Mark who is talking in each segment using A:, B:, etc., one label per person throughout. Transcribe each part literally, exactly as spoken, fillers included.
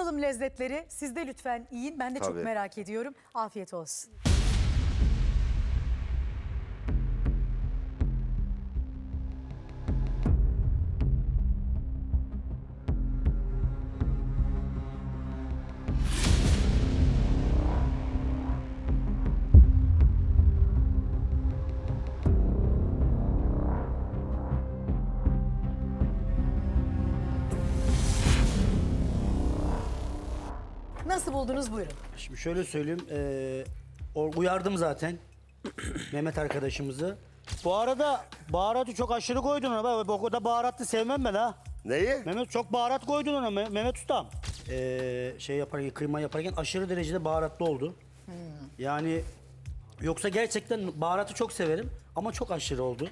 A: Tadalım lezzetleri. Siz de lütfen yiyin. Ben de çok
B: Tabii.
A: merak ediyorum. Afiyet olsun. Nasıl buldunuz buyurun.
C: Şimdi şöyle söyleyeyim, eee, o- uyardım zaten Mehmet arkadaşımızı. Bu arada baharatı çok aşırı koydun ona. Ben o kadar baharatlı sevmem ben ha.
B: Neyi?
C: Mehmet çok baharat koydun ona Me- Mehmet Ustam. Eee, şey yaparken, kıyma yaparken aşırı derecede baharatlı oldu. Yani yoksa gerçekten baharatı çok severim ama çok aşırı oldu.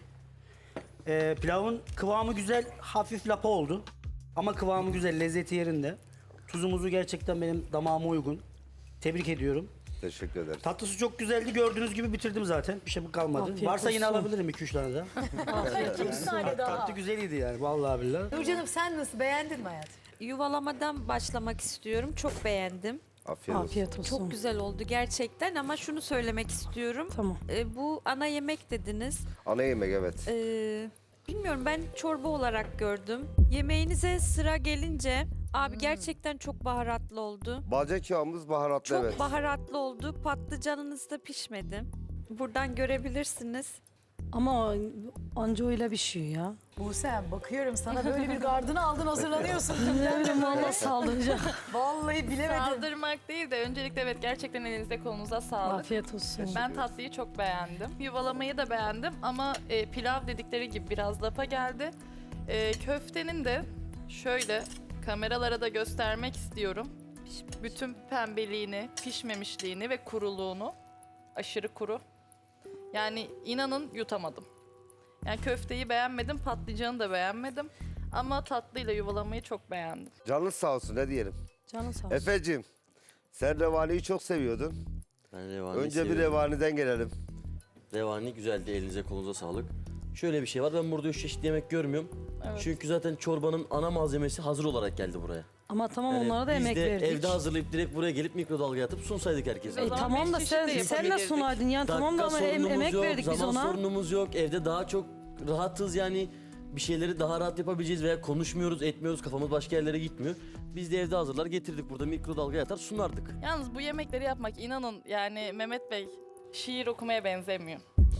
C: Eee, pilavın kıvamı güzel, hafif lapa oldu. Ama kıvamı güzel, lezzeti yerinde. Tuzumuzu gerçekten benim damağıma uygun. Tebrik ediyorum.
B: Teşekkür ederim.
C: Tatlısı çok güzeldi. Gördüğünüz gibi bitirdim zaten. Bir şey kalmadı.
D: Afiyet
C: Varsa yine
D: olsun.
C: alabilirim iki üç tane daha.
A: İki tane daha.
C: Tatlı güzeliydi yani vallahi billahi.
A: Nurcan'ım sen nasıl beğendin mi hayatım?
E: Yuvalamadan başlamak istiyorum. Çok beğendim.
B: Afiyet olsun.
D: Afiyet olsun.
E: Çok güzel oldu gerçekten ama şunu söylemek istiyorum.
D: Tamam.
E: Ee, bu ana yemek dediniz.
B: Ana yemek evet.
E: Ee, bilmiyorum, ben çorba olarak gördüm. Yemeğinize sıra gelince abi gerçekten çok baharatlı oldu.
B: Bacak yağımız baharatlı
E: Çok
B: evet.
E: baharatlı oldu. Patlıcanınız da pişmedi. Buradan görebilirsiniz.
D: Ama o- anca öyle pişiyor ya.
A: Buse'm bakıyorum sana böyle bir gardını aldın hazırlanıyorsun.
D: Ne bileyim valla saldıracağım.
A: Vallahi bilemedim.
F: Saldırmak değil de öncelikle evet gerçekten elinize kolunuza sağlık.
D: Afiyet olsun.
F: Ben tatlıyı çok beğendim. Yuvalamayı da beğendim ama e, pilav dedikleri gibi biraz lapa geldi. E, köftenin de şöyle kameralara da göstermek istiyorum. Bütün pembeliğini, pişmemişliğini ve kuruluğunu, aşırı kuru. Yani inanın yutamadım. Yani köfteyi beğenmedim, patlıcanı da beğenmedim. Ama tatlıyla yuvalamayı çok beğendim.
B: Canınız sağ olsun ne diyelim.
D: Canın sağ olsun.
B: Efeciğim sen revaniyi çok seviyordun.
G: Ben revani
B: Önce bir
G: seviyorum.
B: revaniden gelelim.
G: Revani güzeldi, elinize kolunuza sağlık. Şöyle bir şey var, ben burada üç çeşit yemek görmüyorum.
F: Evet.
G: Çünkü zaten çorbanın ana malzemesi hazır olarak geldi buraya.
D: Ama tamam
G: Yani
D: onlara da
G: biz
D: emek
G: de
D: verdik.
G: evde hazırlayıp direkt buraya gelip mikrodalgaya atıp sunsaydık herkese.
D: E,
F: O zaman
D: tamam da
F: beş
D: sen,
F: çeşit de
D: sen de
F: yapabilirdik.
D: sunaydın yani tamam da ama em-
G: sorunumuz
D: emek
G: yok,
D: verdik biz
G: zaman
D: ona.
G: sorunumuz yok. Evde daha çok rahatız yani. Bir şeyleri daha rahat yapabileceğiz veya konuşmuyoruz, etmiyoruz, kafamız başka yerlere gitmiyor. Biz de evde hazırlar getirdik, burada mikrodalgaya atar sunardık.
F: Yalnız bu yemekleri yapmak inanın yani Mehmet Bey şiir okumaya benzemiyor.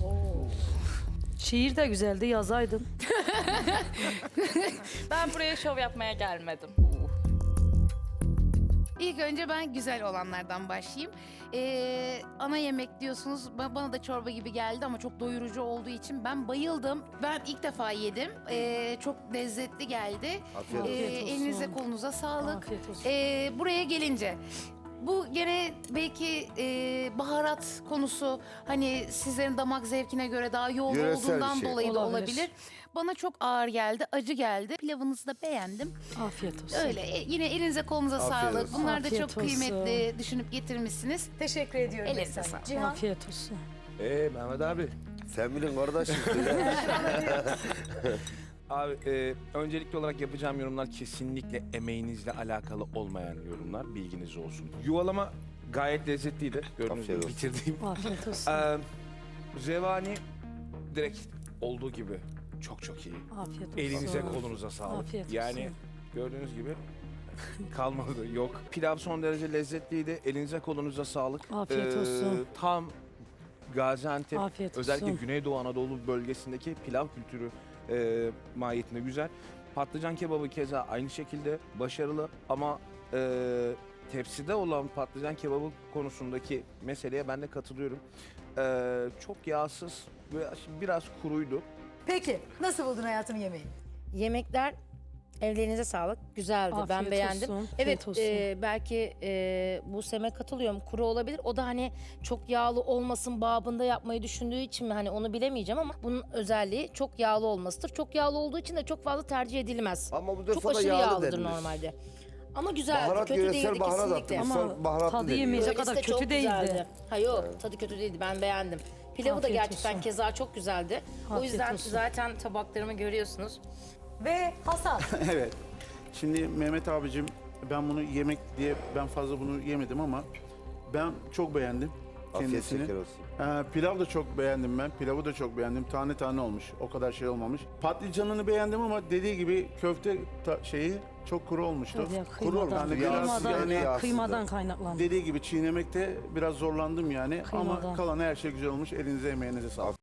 D: Şiir de güzeldi yazaydın.
F: Ben buraya şov yapmaya gelmedim.
H: İlk önce ben güzel olanlardan başlayayım. Ee, ana yemek diyorsunuz. Ba- Bana da çorba gibi geldi ama çok doyurucu olduğu için ben bayıldım. Ben ilk defa yedim. Ee, çok lezzetli geldi.
B: Afiyet
H: Ee,
B: olsun.
D: Afiyet olsun.
H: elinize kolunuza sağlık.
D: Afiyet olsun.
H: Ee, buraya gelince bu gene belki e, baharat konusu hani sizlerin damak zevkine göre daha yoğun
B: Yöresel bir
H: olduğundan
B: şey.
H: dolayı da
D: Olabilir.
H: olabilir. Bana çok ağır geldi, acı geldi. Pilavınızı da beğendim.
D: Afiyet olsun.
H: Öyle e, yine elinize kolunuza
B: Afiyet
H: sağlık.
B: olsun.
H: Bunlar da
D: Afiyet
H: çok
D: olsun.
H: kıymetli düşünüp getirmişsiniz.
A: Teşekkür ediyorum.
H: Ellerinize
A: efendim.
H: sağlık.
A: Cihan.
D: Afiyet olsun.
I: Ee Mehmet abi.
B: Sen bilin kardeşim.
I: Abi e, öncelikli olarak yapacağım yorumlar kesinlikle emeğinizle alakalı olmayan yorumlar. Bilginiz olsun. Yuvalama gayet lezzetliydi. Gördüğünüz
B: Afiyet
I: gibi
B: olsun.
I: bitirdiğim.
D: Afiyet olsun.
I: Ee, Revani direkt olduğu gibi çok çok iyi.
D: Afiyet olsun.
I: Elinize kolunuza sağlık.
D: Afiyet olsun.
I: Yani gördüğünüz gibi kalmadı yok. Pilav son derece lezzetliydi. Elinize kolunuza sağlık. Ee,
D: Afiyet olsun.
I: Tam Gaziantep
D: Afiyet
I: özellikle
D: olsun.
I: Güneydoğu Anadolu bölgesindeki pilav kültürü e, mahiyetinde güzel. Patlıcan kebabı keza aynı şekilde başarılı ama e, tepside olan patlıcan kebabı konusundaki meseleye ben de katılıyorum. E, çok yağsız ve biraz kuruydu.
A: Peki nasıl buldun hayatım yemeği?
J: Yemekler ellerinize sağlık. Güzeldi. ben
D: Afiyet
J: beğendim.
D: olsun,
J: Evet
D: afiyet olsun.
J: e, belki e, bu seme katılıyorum. Kuru olabilir. O da hani çok yağlı olmasın babında yapmayı düşündüğü için mi hani onu bilemeyeceğim ama bunun özelliği çok yağlı olmasıdır. Çok yağlı olduğu için de çok fazla tercih edilmez.
B: Ama bu
J: Çok
B: defa da
J: aşırı
B: yağlı
J: yağlıdır
B: denilir.
J: normalde. Ama güzeldi.
B: Baharat
J: kötü
B: yöresel
J: değildi
B: baharat
J: kesinlikle.
B: attım.
D: Ama
B: Sen baharatlı
D: tadı
B: deniyor.
D: yemeyecek
J: Öylesi
D: kadar
J: de
D: kötü
J: çok
D: değildi.
J: güzeldi. Ha yok tadı kötü değildi. Ben beğendim. Pilavı
D: Afiyet
J: da gerçekten
D: olsun.
J: keza çok güzeldi. o
D: Afiyet
J: yüzden
D: olsun.
J: zaten tabaklarımı görüyorsunuz.
A: Ve Hasan.
K: Evet. Şimdi Mehmet abicim Ben bunu yemek diye ben fazla bunu yemedim ama ben çok beğendim
B: Afiyet
K: kendisini.
B: şeker olsun.
K: Ee, pilav da çok beğendim ben. Pilavı da çok beğendim. Tane tane olmuş. O kadar şey olmamış. Patlıcanını beğendim ama dediği gibi köfte ta- şeyi çok kuru olmuştu.
D: Ya,
K: Kuru olmuş.
D: kıymadan,
K: Yani biraz
D: kıymadan,
K: yani
B: yağsızdı.
D: kıymadan kaynaklandı.
K: dediği gibi çiğnemekte biraz zorlandım yani.
D: Kıymadan.
K: Ama kalan her şey güzel olmuş. Elinize emeğinize sağlık.